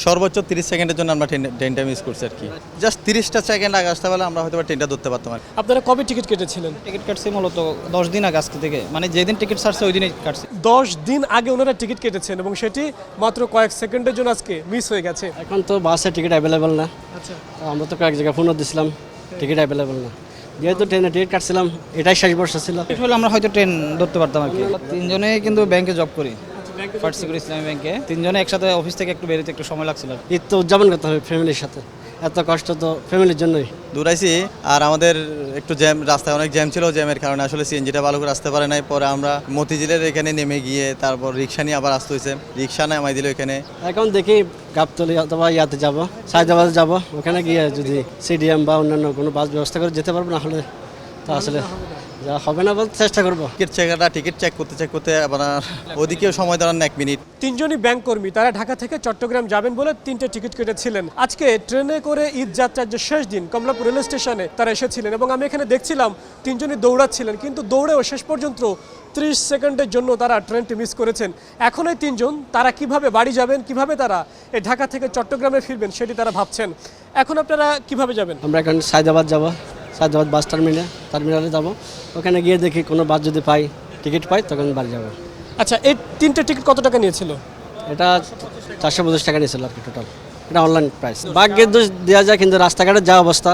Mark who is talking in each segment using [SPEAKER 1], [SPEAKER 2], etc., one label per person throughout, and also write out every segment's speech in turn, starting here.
[SPEAKER 1] সর্বোচ্চ 30 সেকেন্ডের জন্য আমরা ট্রেনটা মিস করছি আর কি। জাস্ট 30টা সেকেন্ড আগে আসতে পারলে আমরা হয়তো ট্রেনটা ধরতে পারতাম আর কি।
[SPEAKER 2] আপনারা কবে টিকিট কেটেছিলেন?
[SPEAKER 3] টিকিট কাটছি মূলত 10 দিন আগে আজকে থেকে, মানে যেদিন টিকিট ছাড়ছে ওই দিনই কাটছি।
[SPEAKER 2] 10 দিন আগে ওনারা টিকিট কেটেছেন এবং সেটি মাত্র কয়েক সেকেন্ডের জন্য আজকে মিস হয়ে গেছে।
[SPEAKER 4] এখন তো বাসে টিকিট অ্যাভেলেবেল না।
[SPEAKER 2] আচ্ছা,
[SPEAKER 4] আমরা তো কয়েক জায়গায় ফোনও দিছিলাম, টিকিট অ্যাভেলেবেল না। যেহেতু ট্রেনে টিকিট কাটছিলাম, এটাই শেষ বর্ষ ছিল।
[SPEAKER 3] টিকিট হলে আমরা হয়তো ট্রেন ধরতে পারতাম আর কি। তিনজনেই কিন্তু ব্যাংকে জব করি, ফার্স্ট সিকিউরিটি ইসলামী ব্যাংকে। তিনজনে একসাথে অফিস থেকে একটু বেরোতে একটু সময় লাগছিল।
[SPEAKER 4] ঈদ তো উদযাপন করতে হবে ফ্যামিলির সাথে, এত কষ্ট তো ফ্যামিলির জন্যই।
[SPEAKER 1] দূরাইছি আর আমাদের একটু জ্যাম, রাস্তায় অনেক জ্যাম ছিল, জ্যামের কারণে আসলে সিএনজিটা ভালো করে আসতে পারে নাই। পরে আমরা মতিঝিলের এখানে নেমে গিয়ে তারপর রিক্সা নিয়ে আবার আসতে হয়েছে, রিক্সা নামাই দিল এখানে।
[SPEAKER 4] এখন দেখি গাবতলী অথবা ইয়াতে যাব, সায়দাবাদে যাব, ওখানে গিয়ে যদি সিডিএম বা অন্যান্য কোনো বাস ব্যবস্থা করে যেতে পারবো, না হলে তো আসলে যা হবে না বলতে চেষ্টা করবো।
[SPEAKER 1] টিকিট চেক করতে আবার ওদিকেও সময় দাঁড়ান 1 মিনিট।
[SPEAKER 2] তিনজনই ব্যাংক কর্মী, তারা ঢাকা থেকে চট্টগ্রাম যাবেন বলে 3টে টিকিট কেটেছিলেন। আজকে ট্রেনে করে ঈদ যাত্রার যে শেষ দিন কমলাপুর রেল স্টেশনে তারা এসেছিলেন এবং আমি এখানে দেখছিলাম তিনজনই দৌড়াচ্ছিলেন, কিন্তু দৌড়েও শেষ পর্যন্ত 30 সেকেন্ডের জন্য তারা ট্রেনটি মিস করেছেন। এখন এই তিনজন তারা কিভাবে বাড়ি যাবেন, কিভাবে তারা এই ঢাকা থেকে চট্টগ্রামে ফিরবেন সেটি তারা ভাবছেন। এখন আপনারা কিভাবে যাবেন?
[SPEAKER 4] আমরা এখন সায়দাবাদ যাব, সায়দাবাদ বাস টার্মিনালে যাব, ওখানে গিয়ে দেখি কোনো বাস যদি পাই, টিকিট পাই, তখন বাড়ি যাব।
[SPEAKER 2] আচ্ছা, এই 3টে টিকিট কত টাকা নিয়েছিল?
[SPEAKER 4] এটা 450 টাকা নিয়েছিল আর কি টোটাল, এটা অনলাইন প্রাইস। ভাগ্যের দোষ দেওয়া যায়, কিন্তু রাস্তাঘাটের যা অবস্থা,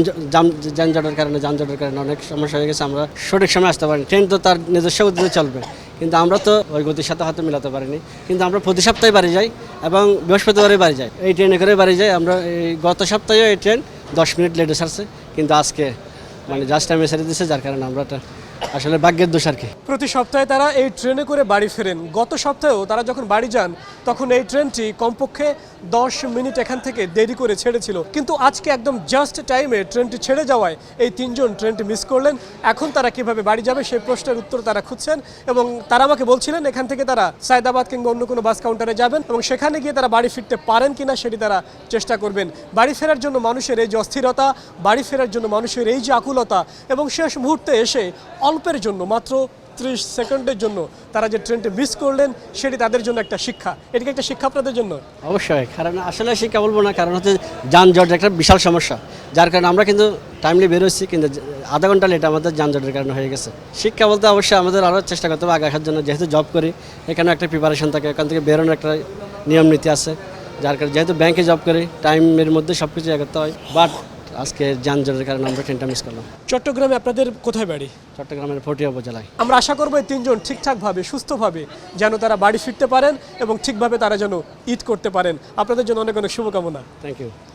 [SPEAKER 4] যানজটের কারণে অনেক সমস্যা হয়ে গেছে। আমরা সঠিক সময় আসতে পারিনি। ট্রেন তো তার নিজস্ব গতিতে চলবে, কিন্তু আমরা তো ওই গতির সাথে হয়তো মিলাতে পারিনি। কিন্তু আমরা প্রতি সপ্তাহে বাড়ি যাই এবং বৃহস্পতিবারে বাড়ি যাই, এই ট্রেনে করে বাড়ি যাই। আমরা এই গত সপ্তাহেও এই ট্রেন 10 মিনিট লেটে ছাড়ছে, কিন্তু আজকে মানে জাস্ট টাইমে ছেড়ে দিচ্ছে, যার কারণে আমরা আসলে ভাগ্যের দোষ আর কি।
[SPEAKER 2] প্রতি সপ্তাহে তারা এই ট্রেনে করে বাড়ি ফেরেন। গত সপ্তাহেও তারা যখন বাড়ি যান তখন এই ট্রেনটি কমপক্ষে 10 মিনিট এখান থেকে দেরি করে ছেড়েছিল, কিন্তু আজকে একদম জাস্ট টাইমে ট্রেনটি ছেড়ে যাওয়ায় এই তিনজন ট্রেনটি মিস করলেন। এখন তারা কিভাবে বাড়ি যাবে সেই প্রশ্নের উত্তর তারা খুঁজছেন এবং তারা আমাকে বলছিলেন এখান থেকে তারা সায়দাবাদ কিংবা অন্য কোনো বাস কাউন্টারে যাবেন এবং সেখানে গিয়ে তারা বাড়ি ফিরতে পারেন কিনা সেটি তারা চেষ্টা করবেন। বাড়ি ফেরার জন্য মানুষের এই যে অস্থিরতা, বাড়ি ফেরার জন্য মানুষের এই যে আকুলতা এবং শেষ মুহূর্তে এসে অল্পের জন্য মাত্র 30 সেকেন্ডের জন্য তারা যে ট্রেনটি মিস করলেন সেটি তাদের জন্য একটা শিক্ষা। এটিকে একটা শিক্ষা আপনাদের জন্য?
[SPEAKER 4] অবশ্যই, কারণ আসলে শিক্ষা বলবো না, কারণ হচ্ছে যানজট একটা বিশাল সমস্যা, যার কারণে আমরা কিন্তু টাইমলি বেরোচ্ছি, কিন্তু আধা ঘন্টা লেট আমাদের যানজটের কারণে হয়ে গেছে। শিক্ষা বলতে অবশ্যই আমাদের আরও চেষ্টা করতে হবে আগে আসার জন্য। যেহেতু জব করি, এখানে একটা প্রিপারেশন থাকে, এখান থেকে বেরোনোর একটা নিয়ম নীতি আছে, যার কারণে যেহেতু ব্যাংকে জব করি, টাইমের মধ্যে সব কিছু করতে হয়। বাট আজকে যানজটের কারণে আমরা ট্রেনটা মিস করলাম।
[SPEAKER 2] চট্টগ্রামে আপনাদের কোথায় বাড়ি?
[SPEAKER 4] চট্টগ্রামের ফটিয়া উপজেলায়।
[SPEAKER 2] আমরা আশা করবো এই তিনজন ঠিকঠাকভাবে সুস্থভাবে যেন তারা বাড়ি ফিরতে পারেন এবং ঠিকভাবে তারা যেন ঈদ করতে পারেন। আপনাদের জন্য অনেক অনেক শুভকামনা।
[SPEAKER 4] Thank you.